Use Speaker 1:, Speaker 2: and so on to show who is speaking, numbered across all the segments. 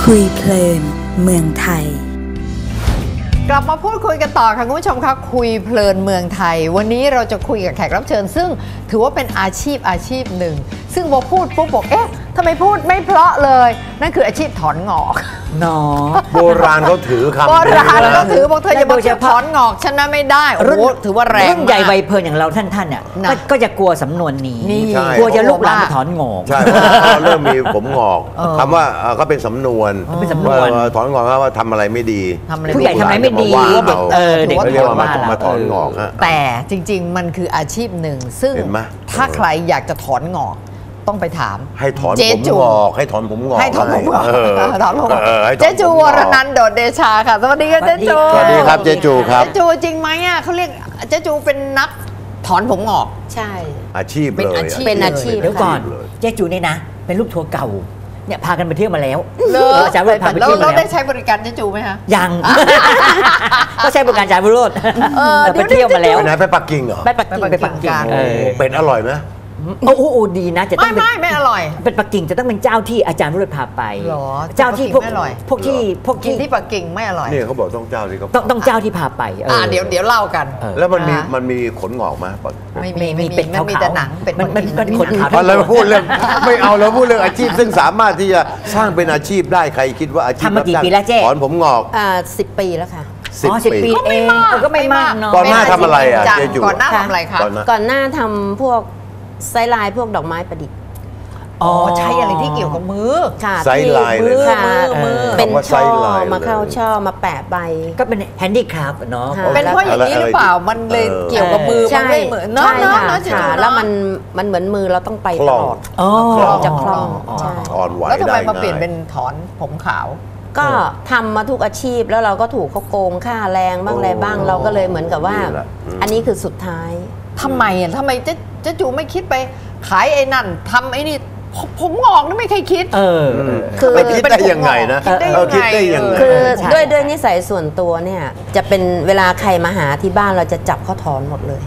Speaker 1: คุยเพลินเมืองไทย
Speaker 2: กลับมาพูดคุยกันต่อค่ะคุณผู้ชมคะคุยเพลินเมืองไทยวันนี้เราจะคุยกับแขกรับเชิญซึ่งถือว่าเป็นอาชีพหนึ่งซึ่งพอพูดปุ๊บบอกเอ๊ะทำไมพูดไม่เพราะเลยนั่นคืออาชีพถอนงอก
Speaker 3: เนาะ
Speaker 4: โบราณเขาถือคำ
Speaker 2: โบราณเขาถือบอกเธออย่าบอกจะถอนงอกฉันนะไม่ได้โอ้โหถือว่าแรง
Speaker 3: รุ่นใหญ่ใบเพลินอย่างเราท่านเนี่ยก็จะกลัวสำนวนนี้กลัวจะลุกลามไปถอนงอก
Speaker 4: ใช่เริ่มมีผมงอกคำว่าก็เป็นสำนวนถอนงอกว่าทำอะไรไม่ดี
Speaker 3: ผู้ใหญ่ทำอะไรไม่ดี
Speaker 4: เด็กเรียกว่ามาถอนงอก
Speaker 2: แต่จริงๆมันคืออาชีพหนึ่งซึ่งถ้าใครอยากจะถอนงอกต้องไปถาม
Speaker 4: ให้ถอนผมงอกให้ถอนผมงอก
Speaker 2: ให้ถอนผมงอกถอนผมงอกเจ๊จูวรนันท์โดดเดชาค่ะสวัสดีค่ะเจ๊จู
Speaker 4: สวัสดีครับเจ๊จูครับ
Speaker 2: เจ๊จูจริงไหมอ่ะเขาเรียกเจ๊จูเป็นนักถอนผมงอก
Speaker 5: ใช่
Speaker 4: อาชีพเลย
Speaker 5: เป็นอาชีพ
Speaker 3: เดี๋ยวก่อนเจ๊จูนี่นะเป็นลูกทัวร์เก่าเนี่ยพากันไปเที่ยวมาแล้ว
Speaker 2: อาจารย์พาไปเที่ยวมาแล้วเราได้ใช้บริการเจ๊จูไหมคะ
Speaker 3: ยังก็ใช้บริการอาจารย์วิโรจน์ไปเที่ยวมาแล้ว
Speaker 4: ไปไหนไปปักกิ่งเหรอ
Speaker 3: ไปปักกิ่ง
Speaker 4: เป็นอร่อยไหม
Speaker 3: โอ้ดีนะจะต้อง
Speaker 2: ไม่อร่อย
Speaker 3: เป็นปักกิ่งจะต้องเป็นเจ้าที่อาจารย์วิโรจน์พาไปเจ้าที่พวก
Speaker 2: ที่ปักกิ่งไม่อร่อย
Speaker 4: นี่เขาบอกต้องเจ้าที่เขา
Speaker 3: ต้องเจ้าที่พาไป
Speaker 2: เดี๋ยวเล่ากัน
Speaker 4: แล้วมันมีขนงอกไหม
Speaker 2: ไม่เป็นมันมีแต่หนัง
Speaker 3: มันขนขาว
Speaker 4: เราพูดเรื่องไม่เอาเราพูดเรื่องอาชีพซึ่งสามารถที่จะสร้างเป็นอาชีพได้ใครคิดว่าอาชีพ
Speaker 3: ทำมากี่ปีแล้วเจ๊
Speaker 4: ถอนผมงอก
Speaker 5: 10 ปีแล้วค่ะ
Speaker 3: 10 ปีเองก็ไม่มากเนาะ
Speaker 4: ก่อนหน้าทำอะไรอ่ะเจ๊จู
Speaker 2: ก่อนหน้าทำอะไรคะ
Speaker 5: ก่อนหน้าทำพวกไซลายพวกดอกไม้ประดิษฐ์
Speaker 2: ใช้อะไรที่เกี่ยวกับมือ
Speaker 5: ค่ะ
Speaker 4: ไซลายเลย
Speaker 5: เป็นช่อมาเข้าช่อมาแปะใบ
Speaker 3: ก็เป็นแฮนดี้คราฟเนาะ
Speaker 2: เป็นเพราะอย่างนี้หรือเปล่ามันเลยเกี่ยวกับมือมันไม่เหมือนเนาะ
Speaker 5: แล้วมันเหมือนมือเราต้องไปตลอดจะคล่อง
Speaker 4: อ่อนไหว
Speaker 2: แล้วทำไมมาเปลี่ยนเป็นถอนผมขาว
Speaker 5: ก็ทำมาทุกอาชีพแล้วเราก็ถูกเขาโกงค่าแรงบ้างอะไรบ้างเราก็เลยเหมือนกับว่าอันนี้คือสุดท้าย
Speaker 2: ทำไมเจ๊จูไม่คิดไปขายไอ้นั่นทำไอ้นี่ผมงอกนี่ไม่เคยคิด
Speaker 4: คือคิดได้ยังไงนะคิดได้ยังไง
Speaker 5: คือด้วยนิสัยส่วนตัวเนี่ยจะเป็นเวลาใครมาหาที่บ้านเราจะจับเขาถอนหมดเลย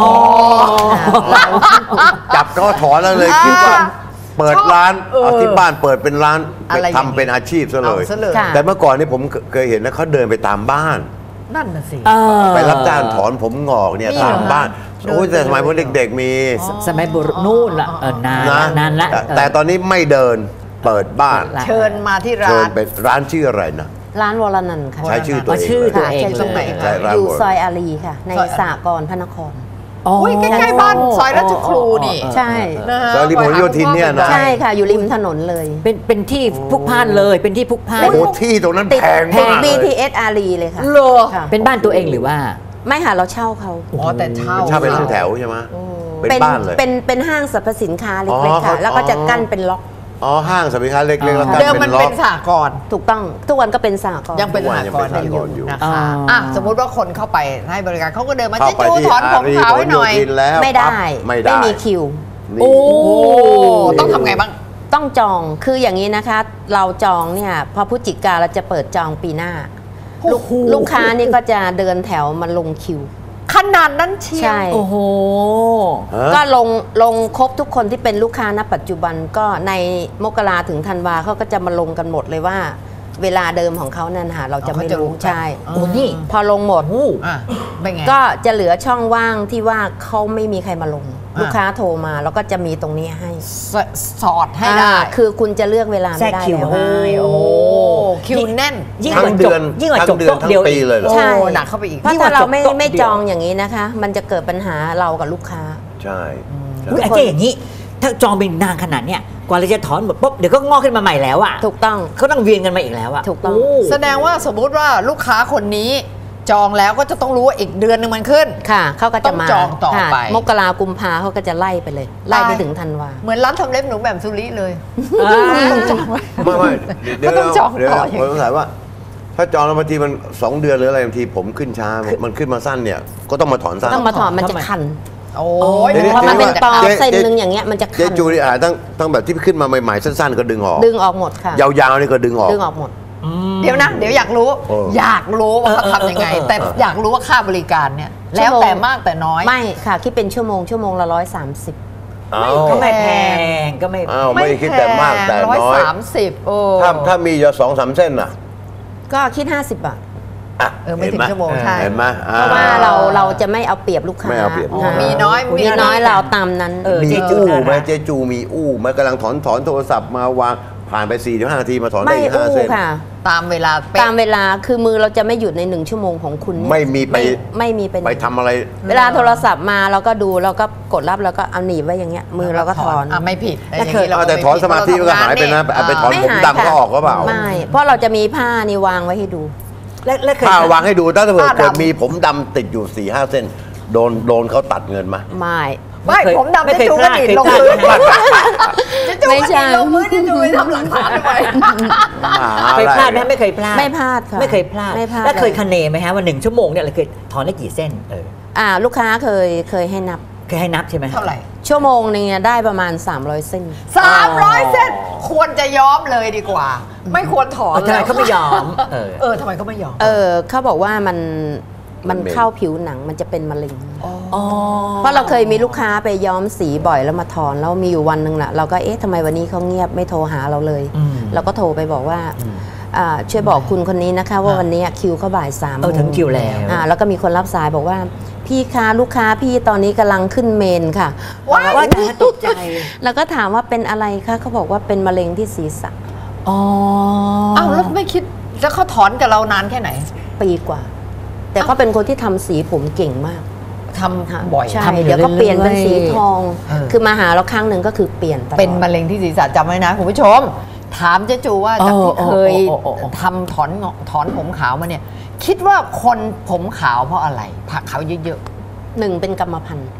Speaker 4: จับเขาถอนแล้วเลยคิดว่าเปิดร้านที่บ้านเปิดเป็นร้านทำเป็นอาชีพซะเลยแต่เมื่อก่อนนี่ผมเคยเห็นนะเขาเดินไปตามบ้าน
Speaker 2: นั่นน่ะสิ
Speaker 4: ไปรับจ้างถอนผมงอกเนี่ยตามบ้านโอ้ยแต่สมัยพวกเด็กๆมี
Speaker 3: สมัยโบราณนู่นละนานละ
Speaker 4: แต่ตอนนี้ไม่เดินเปิดบ้าน
Speaker 2: เชิญมาที่ร้าน
Speaker 4: เชิญไปร้านชื่ออะไรนะ
Speaker 5: ร้านวรนันท์ค่ะ
Speaker 4: ใช้ชื่อตัวเอง
Speaker 5: อยู่ซอยอารีค่ะในสหกรณ์พระนคร
Speaker 2: ใกล้ๆบ้านซอยราชครูนี่
Speaker 5: ใช่
Speaker 4: ซอยริมถนนโยธินเนี่ยนะ
Speaker 5: ใช่ค่ะอยู่ริมถนนเลย
Speaker 3: เป็นที่พลุกพล่านเลยเป็นที่พลุกพล่าน
Speaker 4: ที่ตรงนั้นแพง
Speaker 5: มาก BTS อารีเลยค่ะ
Speaker 3: เป็นบ้านตัวเองหรือว่า
Speaker 5: ไม่ค่ะเราเช่าเขา
Speaker 2: แต่เช่า
Speaker 4: เป็นห้องแถวใช่ไหมเป็นบ้านเลย
Speaker 5: เป็นห้างสรรพสินค้าเล็กๆค่ะแล้วก็จะกั้นเป็นล็อก
Speaker 4: ห้างสรรพสินค้าเล็กๆแล้ว
Speaker 2: เดิมมันเป็นสหกรณ์
Speaker 5: ถูกต้องทุกวันก็เป็นสหกรณ์
Speaker 2: ยังเป็นสหกรณ์อยู่นะคะสมมุติว่าคนเข้าไปให้บริการเขาก็เดินมาเจ๊จูถอนผมขาวให้หน่อย
Speaker 5: ไม่ได้ไม่มีคิว
Speaker 2: ต้องทำไงบ้าง
Speaker 5: ต้องจองคืออย่างนี้นะคะเราจองเนี่ยพอพฤศจิกาเราจะเปิดจองปีหน้าลูกค้านี่ก็จะเดินแถวมาลงคิว
Speaker 2: ขนาดนั้นเชียว
Speaker 5: ใช่
Speaker 3: โอ้โห
Speaker 5: ก็ลงครบทุกคนที่เป็นลูกค้าณปัจจุบันก็ในมกราถึงธันวาเขาก็จะมาลงกันหมดเลยว่าเวลาเดิมของเขานั่นหาเราจะไม่รู้ใช่
Speaker 3: นี่
Speaker 5: พอลงหมดก็จะเหลือช่องว่างที่ว่าเขาไม่มีใครมาลงลูกค้าโทรมาแล้วก็จะมีตรงนี้ให้
Speaker 2: สอดให้ได้
Speaker 5: คือคุณจะเลือกเวลาไม่ได้แล้ว
Speaker 2: โอ้คิวแน่น
Speaker 3: ยิ่งกว่าจบยิ่งกว่าจบทั้ง
Speaker 4: เดียวเลย
Speaker 5: ใช่
Speaker 2: หนักเข้าไปอีก
Speaker 5: เพราะถ้าเราไม่จองอย่างนี้นะคะมันจะเกิดปัญหาเรากับลูกค้า
Speaker 4: ใช่
Speaker 3: อาจารย์อย่างนี้ถ้าจองเป็นนานขนาดเนี้ยกว่าเราจะถอนหมดปุ๊บเดี๋ยวก็งอกขึ้นมาใหม่แล้วอ่ะ
Speaker 5: ถูกต้อง
Speaker 3: เขาต้องเวียนกันมาอีกแล้วอ่ะ
Speaker 5: ถูกต้อง
Speaker 2: แสดงว่าสมมุติว่าลูกค้าคนนี้จองแล้วก็จะต้องรู้ว่าอีกเดือนนึงมันขึ้น
Speaker 5: ค่ะเขาก็จะมา
Speaker 2: จองต่อไป
Speaker 5: มกรากุมภาเขาก็จะไล่ไปเลยไล่ไปถึงธันวา
Speaker 2: เหมือนร้านทำเล็บหนูแบบสุริเลย
Speaker 4: ต้องจองไม่เดี๋ยวต้องจองต่อผมสงสัยว่าถ้าจองแล้วบางทีมัน2 เดือนหรืออะไรบางทีผมขึ้นช้ามันขึ้นมาสั้นเนี่ยก็ต้องมาถอนสั้น
Speaker 5: ต้องมาถอนมันจะคัน
Speaker 2: โอ้ย
Speaker 5: เพราะมันเป็นตอเส้นนึงอย่างเงี้ยมันจะคัน
Speaker 4: เจ๊จูนี่ตั้งแบบที่ขึ้นมาใหม่ๆสั้นๆก็ดึงออก
Speaker 5: หมดค่ะ
Speaker 4: ยาวๆนี่ก็ดึงออก
Speaker 5: หมด
Speaker 2: เดี๋ยวนะเดี๋ยวอยากรู้ว่าเขาทำยังไงแต่อยากรู้ว่าค่าบริการเนี่ยแล้วแต่มากแต่น้อย
Speaker 5: ไม่ค่ะคิดเป็นชั่วโมงละ130
Speaker 3: ก็ไม่แพงก็ไม่
Speaker 4: ไม่ได้คิดแต่มากแต่น้อย
Speaker 2: 130โอ้
Speaker 4: ถ้ามีอยู่2-3 เส้นน่ะ
Speaker 5: ก็คิด50 บาท
Speaker 2: ไม่ถึงชั่วโมงใช่
Speaker 4: เห็นไหม
Speaker 5: เพราะว่าเราจะไม่เอาเปรียบลูกค้า
Speaker 4: ไม่เอาเปรียบ
Speaker 2: มีน้อย
Speaker 5: เราตามนั้น
Speaker 4: มีอู้ไหมเจ๊จูมีอู้ไหมกำลังถอนโทรศัพท์มาวางผ่านไป4-5 นาทีมาถอนได้อีก5 เส้น
Speaker 5: ค่ะ
Speaker 2: ตามเวลา
Speaker 5: คือมือเราจะไม่หยุดใน1 ชั่วโมงของคุณ
Speaker 4: ไม่มีไปทำอะไร
Speaker 5: เวลาโทรศัพท์มาเราก็ดูเราก็กดรับแล้วก็เอาหนีบไว้อย่างเงี้ยมือเราก็ถอน
Speaker 2: ไม่ผิด
Speaker 4: แต่ถอนสมาธิก็หายไปนะไปถอนผมดำก็ออกก็เปล่า
Speaker 5: ไม่เพราะเราจะมีผ้านี่วางไว้ให้ดู
Speaker 3: แล้วเคย
Speaker 4: วางให้ดูถ้าเกิดมีผมดำติดอยู่4-5 เส้นโดนเขาตัดเงินมา
Speaker 2: ไม่ผมดำจะจูก็ดีดลงพื้น
Speaker 5: ไม่ใช่
Speaker 2: ลงพื้นจะจูไปทำหลักฐานทำไม
Speaker 3: เคยพลาดไหมไม่เคยพลาด
Speaker 5: ไม่พลาดค่ะ
Speaker 3: ไม่เคยพลาดแล้วเคยคะเนไหมฮะว่า1 ชั่วโมงเนี่ยเราเคยถอนได้กี่เส้น
Speaker 5: ลูกค้าเคยให้นับ
Speaker 3: ใช่ไหม
Speaker 2: เท่าไหร่
Speaker 5: ชั่วโมงนึงได้ประมาณ300 เส้น
Speaker 2: 300 เส้นควรจะย้อมเลยดีกว่าไม่ควรถอน
Speaker 3: ทำไมเขาไม่ยอม
Speaker 2: ทำไมเขาไม่ยอม
Speaker 5: เขาบอกว่ามันเข้าผิวหนังมันจะเป็นมะเร็งเพราะเราเคยมีลูกค้าไปย้อมสีบ่อยแล้วมาถอนแล้วมีอยู่วันหนึ่งน่ะเราก็ทำไมวันนี้เขาเงียบไม่โทรหาเราเลยเราก็โทรไปบอกว่าช่วยบอกคุณคนนี้นะคะว่าวันนี้คิวเขาบ่าย3
Speaker 3: ถึงคิวแล้ว
Speaker 5: แล้วก็มีคนรับสายบอกว่าพี่คะลูกค้าพี่ตอนนี้กำลังขึ้นเมนค่ะ
Speaker 3: ว่าตกใจ
Speaker 5: แล้วก็ถามว่าเป็นอะไรคะเขาบอกว่าเป็นมะเร็งที่ศีรษะ
Speaker 2: แล้วไม่คิดแล้วเขาถอนกับเรานานแค่ไหน
Speaker 5: ปีกว่าแต่เขาเป็นคนที่ทำสีผมเก่งมาก
Speaker 2: ทำบ่อย
Speaker 5: ใช่เดี๋ยวก็เปลี่ยนเป็นสีทองคือมาหาเราครั้งหนึ่งก็คือเปลี่ยน
Speaker 2: เป็นมะเร็งที่ศีรษะจำไว้นะคุณผู้ชมถามเจ๊จูว่าจากที่เคยทำถอนผมขาวมาเนี่ยคิดว่าคนผมขาวเพราะอะไรผักขาวเยอะ
Speaker 5: ๆ1เป็นกรรมพันธุ์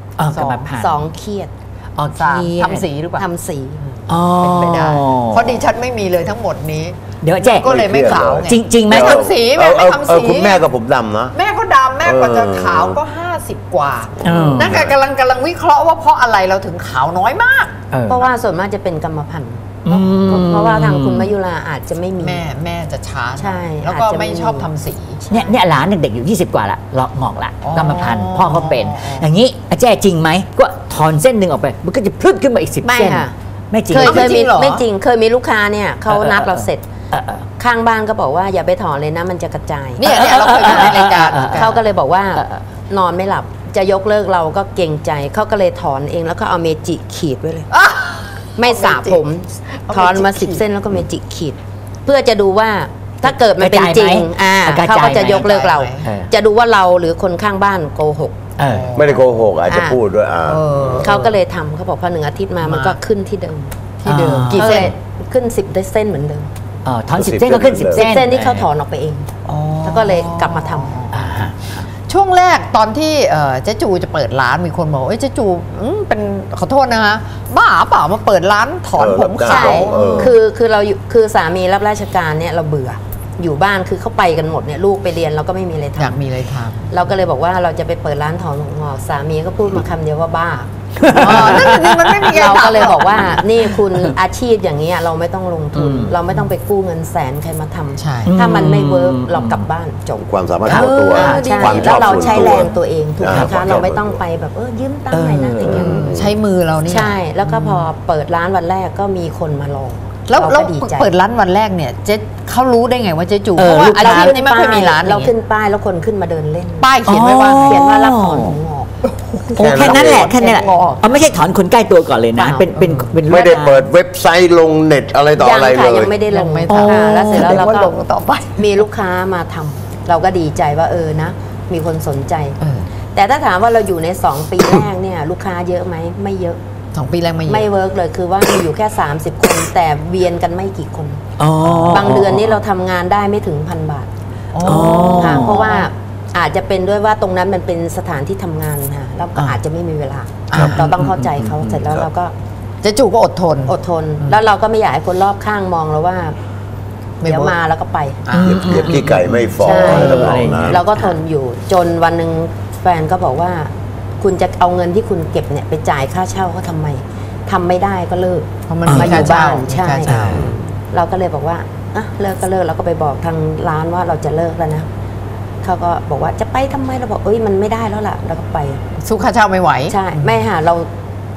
Speaker 5: 2เครียด
Speaker 2: ทำสีหรือเปล่า
Speaker 5: ทำสี
Speaker 2: เป็นไปได้เพราะดิฉันไม่มีเลยทั้งหมดนี้
Speaker 3: เดี๋ยวแจ๊
Speaker 2: ก็เลยไม่ขาวไง
Speaker 3: จริงไหม
Speaker 2: ทำสีแม่ไม่ทำสี
Speaker 4: คุณแม่กับผมดำนะ
Speaker 2: แม่ก็ดำแม่กว่าจะขาวก็50 กว่านั่นกำลังวิเคราะห์ว่าเพราะอะไรเราถึงขาวน้อยมาก
Speaker 5: เพราะว่าส่วนมากจะเป็นกรรมพันธุ์เพราะว่าทางคุณมยุราอาจจะไม่มี
Speaker 2: แม่จะช้า
Speaker 5: ใช่
Speaker 2: แล้วก็ไม่ชอบทำสี
Speaker 3: เนี่ยหลานเด็กอยู่20 กว่าละเลาะงอกละกรรมพันธุ์พ่อเขาเป็นอย่างนี้แจ้จริงไหมก็ถอนเส้นหนึ่งออกไปมันก็จะพลึดขึ้นมาอีก10 เส้นไม่จริง
Speaker 5: เคยมีไม่จริงเคยมีลูกค้าเนี่ยเขานัดเราเสร็จข้างบ้านก็บอกว่าอย่าไปถอนเลยนะมันจะกระจาย
Speaker 2: เนี่ยเราเคยในรายการ
Speaker 5: เขาก็เลยบอกว่านอนไม่หลับจะยกเลิกเราก็เกรงใจเขาก็เลยถอนเองแล้วก็เอาเมจิขีดไว้เลยไม่สระผมถอนมา10 เส้นแล้วก็เมจิขีดเพื่อจะดูว่าถ้าเกิดมันเป็นจริงเขาก็จะยกเลิกเราจะดูว่าเราหรือคนข้างบ้านโกหก
Speaker 4: ไม่ได้โกหกอาจจะพูดด้วย
Speaker 5: เขาก็เลยทำเขาบอกพอ1 อาทิตย์มามันก็ขึ้นที่เดิม
Speaker 2: กี่เส้น
Speaker 5: ขึ้น10 ได้เส้นเหมือนเดิม
Speaker 3: ถอน10 เส้นก็ขึ้น10 เส้น
Speaker 5: ที่เขาถอนออกไปเองแล้วก็เลยกลับมาท
Speaker 2: ำช่วงแรกตอนที่เจ๊จูจะเปิดร้านมีคนบอกเจ๊จูเป็นขอโทษนะคะบ้าเปล่ามาเปิดร้านถอนผมขาว
Speaker 5: คือเราคือสามีรับราชการเนี่ยเราเบื่ออยู่บ้านคือเขาไปกันหมดเนี่ยลูกไปเรียนเราก็ไม่มีอะไรทำ
Speaker 2: อยากมีอะไรท
Speaker 5: ำเราก็เลยบอกว่าเราจะไปเปิดร้านถอนผมงอกสามีก็พูดมาคำเดียวว่าบ้า
Speaker 2: มันไม่มี
Speaker 5: เราก็เลยบอกว่านี่คุณอาชีพอย่างนี้เราไม่ต้องลงทุนเราไม่ต้องไปกู้เงินแสนใครมาทำถ้ามันไม่เวิร์กเรากลับบ้านจบ
Speaker 4: ความสามารถของตัว
Speaker 5: แล้วเราใช้แรงตัวเองถูกไหมคะเราไม่ต้องไปแบบยืมตังค์หน่อยนะอย่างเงี้ย
Speaker 2: ใช้มือเรานี่
Speaker 5: ใช่แล้วก็พอเปิดร้านวันแรกก็มีคนมาลอง
Speaker 2: แล้วเปิดร้านวันแรกเนี่ยเจ๊เขารู้ได้ไงว่าเจ๊จูเพราะว่าอาชีพนี้ไม่เคยมีร้าน
Speaker 5: เราขึ้นป้ายแล้วคนขึ้นมาเดินเล่น
Speaker 2: ป้ายเขียนไว้ว่า
Speaker 5: รับถอนผมงอก
Speaker 3: แค่นั้นแหละไม่ใช่ถอนคนใกล้ตัวก่อนเลยนะเป็น
Speaker 4: ไม่ได้เปิดเว็บไซต์ลงเน็ตอะไรต่ออะไรเลย
Speaker 5: ยังไม่ได้ลงแล้วเสร็จแล้วเราก็ลงต่อไปมีลูกค้ามาทำเราก็ดีใจว่านะมีคนสนใจแต่ถ้าถามว่าเราอยู่ใน2 ปีแรกเนี่ยลูกค้าเยอะไหมไม่เยอะ
Speaker 2: 2 ปีแรก
Speaker 5: ไม่เวิร์กเลยคือว่ามีอยู่แค่30 คนแต่เวียนกันไม่กี่คนบางเดือนนี้เราทำงานได้ไม่ถึง1,000 บาทค่ะเพราะว่าอาจจะเป็นด้วยว่าตรงนั้นมันเป็นสถานที่ทำงานค่ะแล้วก็อาจจะไม่มีเวลาเราต้องเข้าใจเขาเสร็จแล้วเราก็
Speaker 2: เจ๊จูก็อดทน
Speaker 5: แล้วเราก็ไม่อยากให้คนรอบข้างมองเราว่าเดี๋ยวมาแล้วก็ไป
Speaker 4: เก็บขี้ไก่ไม่ฟอง
Speaker 5: เราก็ทนอยู่จนวันหนึ่งแฟนก็บอกว่าคุณจะเอาเงินที่คุณเก็บเนี่ยไปจ่ายค่าเช่าเขาทำไมทำไม่ได้ก็เลิก
Speaker 2: เพราะมันมาอยู่บ้าน
Speaker 5: ใช่เราก็เลยบอกว่าเลิกก็เลิกเราก็ไปบอกทางร้านว่าเราจะเลิกแล้วนะเขาก็บอกว่าจะไปทำไมเราบอกมันไม่ได้แล้วล่ะเราก็ไป
Speaker 2: สู้ค่าเช่าไม่ไหว
Speaker 5: ใช่ไม่ค่ะเรา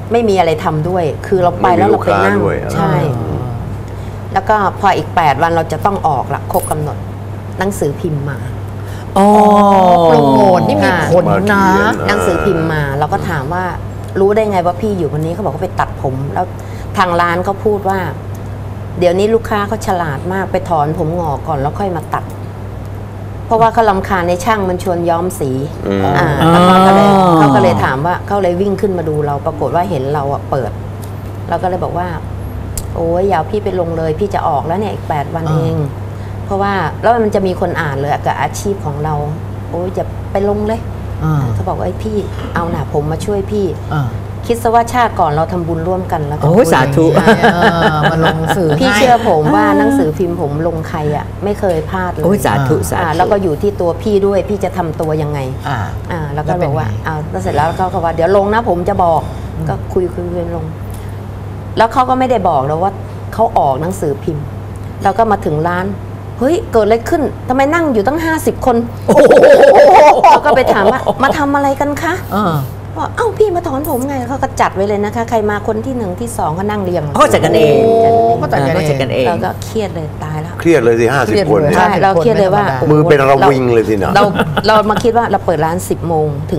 Speaker 5: ไม่มีอะไรทำด้วย คือเราไปแล้วเราไปนั่งใช่ แล้วก็พออีก8 วันเราจะต้องออกละครบกำหนดหนังสือพิมพ์มา
Speaker 2: โปรโมทนี่มีผลนะ
Speaker 5: หนังสือพิมพ์มาเราก็ถามว่ารู้ได้ไงว่าพี่อยู่วันนี้เขาบอกเขาไปตัดผมแล้วทางร้านเขาพูดว่าเดี๋ยวนี้ลูกค้าเขาฉลาดมากไปถอนผมงอกก่อนแล้วค่อยมาตัดเพราะว่าเขารำคาญในช่างมันชวนย้อมสีแล้วเขาก็เลยถามว่าเขาเลยวิ่งขึ้นมาดูเราปรากฏว่าเห็นเราเปิดเราก็เลยบอกว่าโอ้ยอย่าพี่ไปลงเลยพี่จะออกแล้วเนี่ยอีก8 วันเองเพราะว่าแล้วมันจะมีคนอ่านเลยกับอาชีพของเราโอ้ยจะไปลงเลยเขาบอกว่าพี่เอาหน่ะผมมาช่วยพี่คิดซะว่าชาติก่อนเราทำบุญร่วมกันแล้วก็
Speaker 3: สาธุ
Speaker 2: มาลงสื่อ
Speaker 5: พี่เชื่อผมว่าหนังสือพิมพ์ผมลงใครไม่เคยพลาดเลย
Speaker 3: สาธุสาธุ
Speaker 5: แล้วก็อยู่ที่ตัวพี่ด้วยพี่จะทำตัวยังไงแล้วก็บอกว่าแล้วเสร็จแล้วเขาว่าเดี๋ยวลงนะผมจะบอกก็คุยลงแล้วเขาก็ไม่ได้บอกเราว่าเขาออกหนังสือพิมพ์เราก็มาถึงร้านเฮ้ยเกิดอะไรขึ้นทำไมนั่งอยู่ตั้ง50 คนเราก็ไปถามว่ามาทำอะไรกันคะว่าเอ้าพี่มาถอนผมไงเขาก็จัดไว้เลยนะคะใครมาคนที่1ที่2ก็นั่งเรียง
Speaker 3: เขาจัดกันเอง
Speaker 2: ก็จัด
Speaker 3: กันเอง
Speaker 5: เราก็เครียดเลยตายแล้ว
Speaker 4: เครียดเลยสิ50 คน
Speaker 5: ใช่เราเครียดเลยว่า
Speaker 4: มือเป็นระวิงเลยสินะ
Speaker 5: เรามาคิดว่าเราเปิดร้าน10 โมงถึง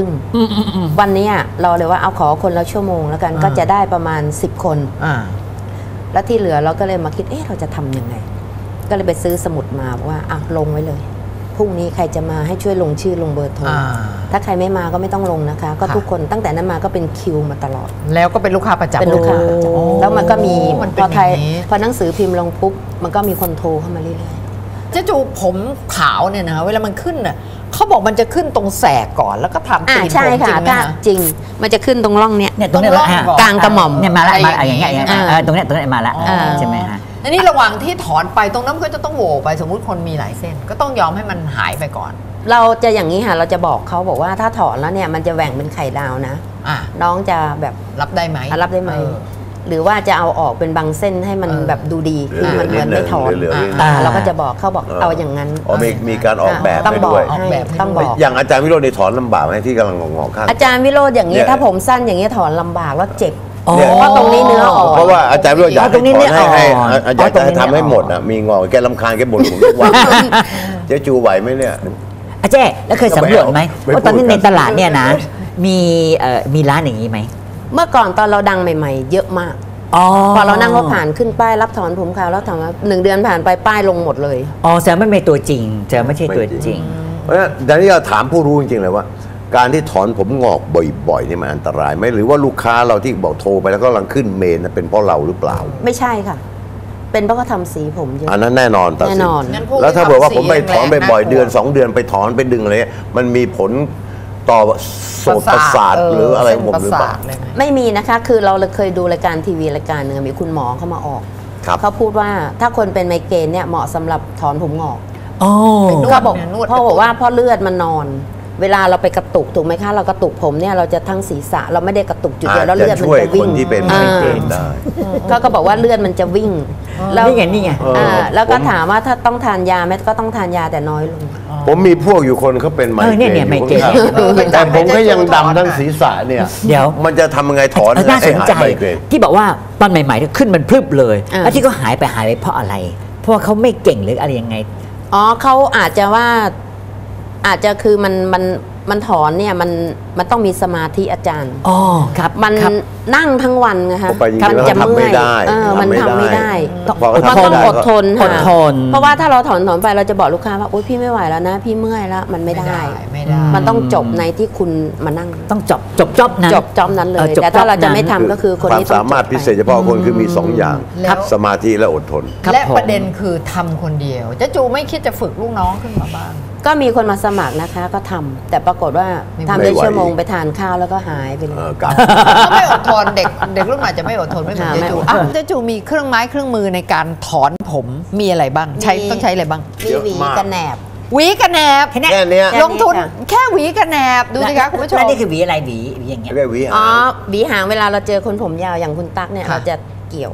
Speaker 5: 20:30วันนี้เราเลยว่าเอาขอคนละชั่วโมงแล้วกันก็จะได้ประมาณ10 คนแล้วที่เหลือเราก็เลยมาคิดเราจะทำยังไงก็เลยไปซื้อสมุดมาว่าลงไว้เลยพรุ่งนี้ใครจะมาให้ช่วยลงชื่อลงเบอร์โทรถ้าใครไม่มาก็ไม่ต้องลงนะคะก็ทุกคนตั้งแต่นั้นมาก็เป็นคิวมาตลอด
Speaker 2: แล้วก็เป็นลูกค้าประจำ
Speaker 5: เป็นลูกค้าประจำแล้วมันก็มีพอหนังสือพิมพ์ลงปุ๊บมันก็มีคนโทรเข้ามาเรื่อย
Speaker 2: ๆเจ๊จูผมขาวเนี่ยนะเวลามันขึ้นน่ะเขาบอกมันจะขึ้นตรงแสกก่อนแล้วก็ทำตีนผมจริงไหม
Speaker 5: จริงมันจะขึ้นตรงร่องเนี้ย
Speaker 3: ตรงนี้
Speaker 5: กลางกระหม่อม
Speaker 3: เนี่ยมาละอย่างเงี้ยตรงนี้มาละใช่ไหมฮะ
Speaker 2: อันนี้ระหว่างที่ถอนไปตรงนั้นก็จะต้องโหวไปสมมุติคนมีหลายเส้นก็ต้องยอมให้มันหายไปก่อน
Speaker 5: เราจะอย่างนี้ค่ะเราจะบอกเขาบอกว่าถ้าถอนแล้วเนี่ยมันจะแหว่งเป็นไข่ดาวนะน้องจะแบบ
Speaker 2: รับได้ไหม
Speaker 5: หรือว่าจะเอาออกเป็นบางเส้นให้มันแบบดูดีคือมันเหมือนไม่ถอนเราก็จะบอกเขาบอกเอาอย่างนั้น
Speaker 4: มีการออกแบบ
Speaker 5: ต้องบอกต้องบอก
Speaker 4: อย่างอาจารย์วิโรจน์ในถอนลำบากไหมที่กำลังงอกข้าง
Speaker 5: อาจารย์วิโรจน์อย่างนี้ถ้าผมสั้นอย่างนี้ถอนลำบากแล้วเจ็บเพราะตรงนี้เนื้ออ่อน
Speaker 4: เพราะว่าอาจารย์วิโรจน์อยากให้ถอนให้อาจารย์จะทำให้หมดมีงอกแกรำคาญแกบ่นผมทุกวันเจ๊จูไหวไหมเนี่ย
Speaker 3: อาจารย์แล้วเคยสำรวจไหมว่าตอนนี้ในตลาดเนี่ยนะมีร้านอย่างนี้ไหม
Speaker 5: เมื่อก่อนตอนเราดังใหม่ๆเยอะมากพอเรานั่งรถผ่านขึ้นป้ายรับถอนผมขาวแล้วถามว่า1 เดือนผ่านไปป้ายลงหมดเลย
Speaker 3: แสดงไม่เป็นตัวจริงจะไม่ใช่ตัวจริง
Speaker 4: เพราะฉะนั้นดังนี้เราถามผู้รู้จริงๆเลยว่าการที่ถอนผมงอกบ่อยๆนี่มันอันตรายไหมหรือว่าลูกค้าเราที่บอกโทรไปแล้วก็กำลังขึ้นเมนเป็นเพราะเราหรือเปล่า
Speaker 5: ไม่ใช่ค่ะเป็นเพราะเขาทำสีผมเยอะ
Speaker 4: อันนั้นแน่นอน
Speaker 5: แน่นอน
Speaker 4: แล้วถ้าบอกว่าผมไปถอนบ่อยๆเดือน2 เดือนไปถอนไปดึงอะไรมันมีผลต่อโสตประสาทหรืออะไรผมหรือเปล่า
Speaker 5: ไม่มีนะคะคือเราเคยดูรายการทีวีรายการหนึ่งมีคุณหมอเข้ามาออกเขาพูดว่าถ้าคนเป็นไมเกรนเนี่ยเหมาะสำหรับถอนผมงอกเขาบอกเพราะว่าเพราะเลือดมันนอนเวลาเราไปกระตุกถูกไหมคะเรากระตุกผมเนี่ยเราจะทั้งศีรษะเราไม่ได้กระตุกจุดเดียวแล้วเลือดมันจะวิ่ง
Speaker 4: ที่เป็นไมเกรนได้
Speaker 5: ก็บอกว่าเลือดมันจะวิ่ง
Speaker 3: แล้วนี่ไง
Speaker 5: แล้วก็ถามว่าถ้าต้องทานยาไหมก็ต้องทานยาแต่น้อยลง
Speaker 4: ผมมีพวกอยู่คนเขาเป็นไมเกรนแต่ผมก็ยังดำทั้งศีรษะเนี่ย
Speaker 3: เดี๋ยว
Speaker 4: มันจะทำยังไงถอน
Speaker 3: น่าสนใจที่บอกว่าตอนใหม่ๆขึ้นมันพรึบเลยแล้วที่เขาหายไปเพราะอะไรเพราะว่าเขาไม่เก่งหรืออะไรยังไง
Speaker 5: เขาอาจจะว่าอาจจะคือมันถอนเนี่ยมันต้องมีสมาธิอาจารย์
Speaker 3: ครับ
Speaker 5: มันนั่งทั้งวันไงคะ
Speaker 4: มันจะเมื่อย
Speaker 5: มันทำไม่ได้มันต้องอดทนเพราะว่าถ้าเราถอนไปเราจะบอกลูกค้าว่าโอ๊ยพี่ไม่ไหวแล้วนะพี่เมื่อยแล้วมันไม่ได้มันต้องจบในที่คุณมานั่ง
Speaker 3: ต้องจบ
Speaker 5: นั้นเลยแต่ถ้าเราจะไม่ทำก็คือคน
Speaker 4: นี้ความสามารถพิเศษเฉพาะคนคือมี2 อย่างสมาธิและอดทน
Speaker 2: และประเด็นคือทำคนเดียวเจ๊จูไม่คิดจะฝึกลูกน้องขึ้นมาบ้าง
Speaker 5: ก็มีคนมาสมัครนะคะก็ทำแต่ปรากฏว่าทำได้ชั่วโมงไปทานข้าวแล้วก็หายไปเลย
Speaker 2: เขาไม่อดทนเด็กรุ่นใหม่จะไม่อดทนไม่เหมือนเจ๊จูเจ๊จูมีเครื่องไม้เครื่องมือในการถอนผมมีอะไรบ้างต้องใช้อะไรบ้าง
Speaker 5: มีหวีกระแหนบ
Speaker 2: แค่นี้ลงทุนแค่หวีกระแหนบดูสิคะคุณผู้ชม
Speaker 3: แล้วนี่คือหวีอะไรหวีอย่างเงี้ย
Speaker 5: หวีหางเวลาเราเจอคนผมยาวอย่างคุณตั๊กเนี่ยเราจะเกี่ยว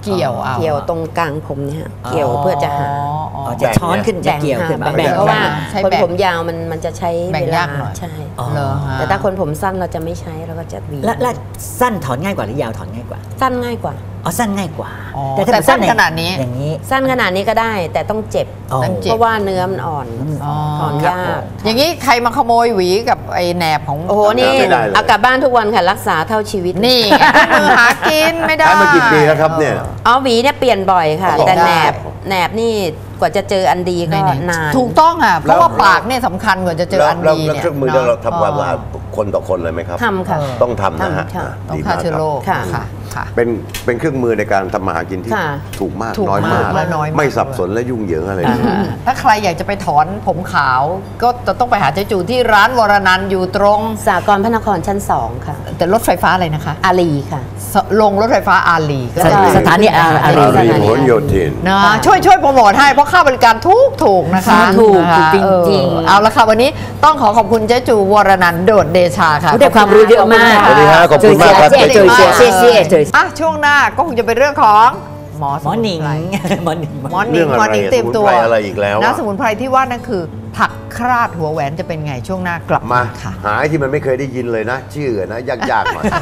Speaker 2: เกี่ยวเอา
Speaker 5: เกี่ยวตรงกลางผมเนี่ยฮะเกี่ยวเพื่อจะหา
Speaker 3: จะช้อนขึ้นจะเกี่ยวขึ้นมา
Speaker 5: แบ่งเพราะว่า
Speaker 2: ใช้
Speaker 5: คน
Speaker 2: แบ่ง
Speaker 5: ผมยาวมันจะใช้
Speaker 2: แบ่งาก
Speaker 5: เวยลา
Speaker 2: หน่อย
Speaker 5: ใช่
Speaker 2: เหรอฮะ
Speaker 5: แต่ถ้าคนผมสั้นเราจะไม่ใช้เราก็จะหวี
Speaker 3: แล้วสั้นถอนง่ายกว่าหรือยาวถอนง่ายกว่า
Speaker 5: สั้นง่ายกว่า
Speaker 3: อ๋อสั้นง่ายกว่า
Speaker 2: อ๋อ
Speaker 3: ถ้า
Speaker 2: แต่สั้นขนาดนี้
Speaker 3: อย่างนี้
Speaker 5: สั้นขนาดนี้ก็ได้ แต่ต้องเจ็บ
Speaker 3: อ๋อ
Speaker 5: เพราะว่าเนื้อมันอ่อน
Speaker 2: อ๋อ
Speaker 5: ถอนยาก
Speaker 2: อย่างนี้ใครมาขโมยหวีกับไอ้แหนบของ
Speaker 5: โอ้โหนี่
Speaker 4: ไม่ได้เลย
Speaker 5: เอากลับบ้านทุกวันค่ะรักษาเท่าชีวิต
Speaker 2: นี่ไงมือหากินไม่ได้
Speaker 4: ใช้มากี่ปีแล้วครับเนี่ย
Speaker 5: เอาหวีเนี่ยเปลี่ยนบ่อยค่ะ
Speaker 4: อ๋อ
Speaker 5: แต่แหน
Speaker 2: ได้
Speaker 5: บนี่กว่าจะเจออันดีก็นาน
Speaker 2: ถูกต้องอ่ะเพราะว่าปากเนี่ยสำคัญกว่าจะเจออัน
Speaker 4: แล้ว
Speaker 2: ดี
Speaker 4: แล้ว
Speaker 2: เนี่ย
Speaker 4: เครื่องมือเราทำความสะอาดคนต่อคนเลยไหมครับ
Speaker 5: ทำค่ะ
Speaker 4: ต้องทำนะฮะ
Speaker 5: ทำค่ะ
Speaker 2: ต้อง
Speaker 4: ดี
Speaker 2: ฆ่าม
Speaker 4: าก
Speaker 2: เชื้อ
Speaker 4: ค
Speaker 2: โร
Speaker 4: รับ
Speaker 2: ค
Speaker 5: ค่ะ
Speaker 2: ค่ะ
Speaker 4: เป็นเครื่องมือในการทำมาหากินที่
Speaker 5: ค่ะ
Speaker 4: ถูกมาก
Speaker 2: ถูก
Speaker 4: น้อยมาก
Speaker 2: มากและน้อยมาก
Speaker 4: ไม่สับสนและยุ่งเหยิงอะไรเลย
Speaker 2: ถ้าใครอยากจะไปถอนผมขาว ก็จะต้องไปหาเจ๊จูที่ร้านวรนันท์อยู่ตรง
Speaker 5: สากลพระนครชั้น 2 ค่ะ
Speaker 2: แต่รถไฟฟ้าอะไรนะคะ
Speaker 5: อารีค่ะ
Speaker 2: ลงรถไฟฟ้าอารีก็
Speaker 5: ส
Speaker 2: ได้
Speaker 3: สถานีอารี
Speaker 4: อารีผลโยธิน
Speaker 2: นะช่วยโปรโมทให้เพราะค่าบริการถูกนะคะ
Speaker 3: ถูก
Speaker 2: นะคะ
Speaker 3: จริงๆ
Speaker 2: เอาละค่ะวันนี้ต้องขอบคุณเจ๊จูวรนันท์โดดเดชาค่ะ
Speaker 3: ได้ความรู้เยอะมาก
Speaker 4: สวัสดีฮะขอบคุณมากครับ
Speaker 3: เจ๊จุ๋ยเจ๊เจ๊เจ๊
Speaker 2: อ่ะช่วงหน้าก็คงจะเป็นเรื่องของหมอ
Speaker 3: หมอหนิง หมอหนิง
Speaker 2: หมอหนิ
Speaker 4: เรื่อง งอะไร
Speaker 2: หมอหนิงเตรียมตัว
Speaker 4: สมุนไพรอะไรอีกแล้วอะ
Speaker 2: นะสมุนไพรที่ว่านั่นคือ ผักคราดหัวแหวนจะเป็นไงช่วงหน้ากลับ
Speaker 4: มา
Speaker 2: ค่ะ
Speaker 4: หาไอ้ที่มันไม่เคยได้ยินเลยนะ ชื่อนะ ยากๆหน่อย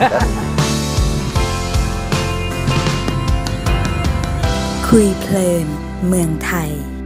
Speaker 1: คุยเพลินเมืองไทย